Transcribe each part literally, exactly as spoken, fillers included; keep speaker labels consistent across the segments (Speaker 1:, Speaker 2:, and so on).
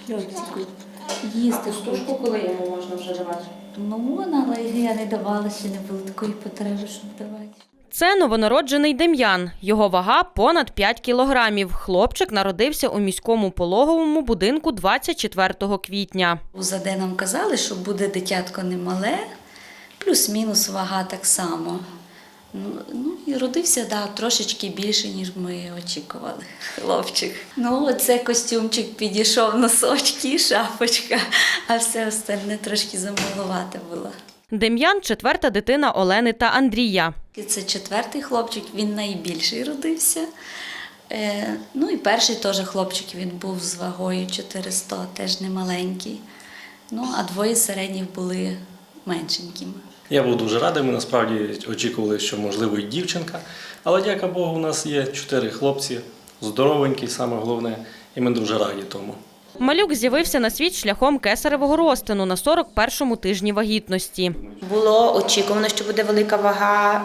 Speaker 1: хлопчику. Їсти
Speaker 2: Штучку, коли йому можна вже давати?
Speaker 1: Ну, можна, але я не давала, ще не було такої потреби, щоб давати.
Speaker 2: Це новонароджений Дем'ян. Його вага – понад п'ять кілограмів. Хлопчик народився у міському пологовому будинку двадцять четвертого квітня.
Speaker 1: У ЗАД нам казали, що буде дитятко немале, плюс-мінус вага так само. Ну, ну і родився, да, трошечки більше, ніж ми очікували, хлопчик. Ну, оце костюмчик підійшов, носочки, шапочка, а все остальне трошки замалувате було.
Speaker 2: Дем'ян – четверта дитина Олени та Андрія.
Speaker 1: І це четвертий хлопчик, він найбільший родився. Е, ну і перший теж хлопчик, він був з вагою чотириста, теж не маленький. Ну, а двоє середніх були меншенькими.
Speaker 3: Я був дуже радий, ми насправді очікували, що можливо і дівчинка. Але, дяка Богу, у нас є чотири хлопці, здоровенькі, саме головне, і ми дуже раді тому.
Speaker 2: Малюк з'явився на світ шляхом кесаревого розтину на сорок першому тижні вагітності.
Speaker 4: Було очікувано, що буде велика вага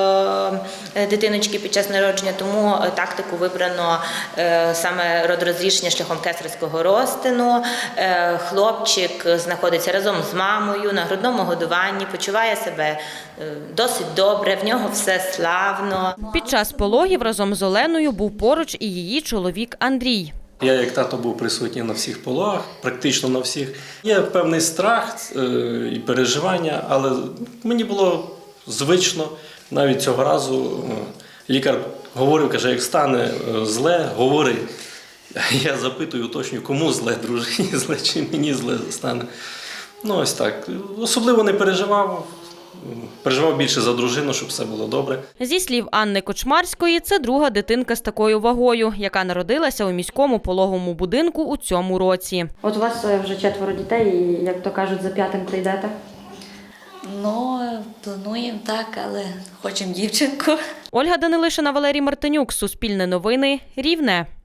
Speaker 4: е, дитиночки під час народження, тому тактику вибрано е, саме родорозрішення шляхом кесарського розтину. Е, хлопчик знаходиться разом з мамою на грудному годуванні, почуває себе е, досить добре, в нього все славно.
Speaker 2: Під час пологів разом з Оленою був поруч і її чоловік Андрій.
Speaker 3: Я, як тато, був присутній на всіх пологах, практично на всіх. Є певний страх е, і переживання, але мені було звично. Навіть цього разу е, лікар говорив, каже, як стане е, зле, говори. Я запитую, уточнюю, кому зле, дружині зле, чи мені зле стане. Ну ось так. Особливо не переживав. Переживав більше за дружину, щоб все було добре.
Speaker 2: Зі слів Анни Кочмарської, це друга дитинка з такою вагою, яка народилася у міському пологовому будинку у цьому році.
Speaker 5: От у вас вже четверо дітей, і, як то кажуть, за п'ятим прийдете?
Speaker 1: Ну, плануємо так, але хочемо дівчинку.
Speaker 2: Ольга Данилишина, Валерій Мартинюк, Суспільне новини, Рівне.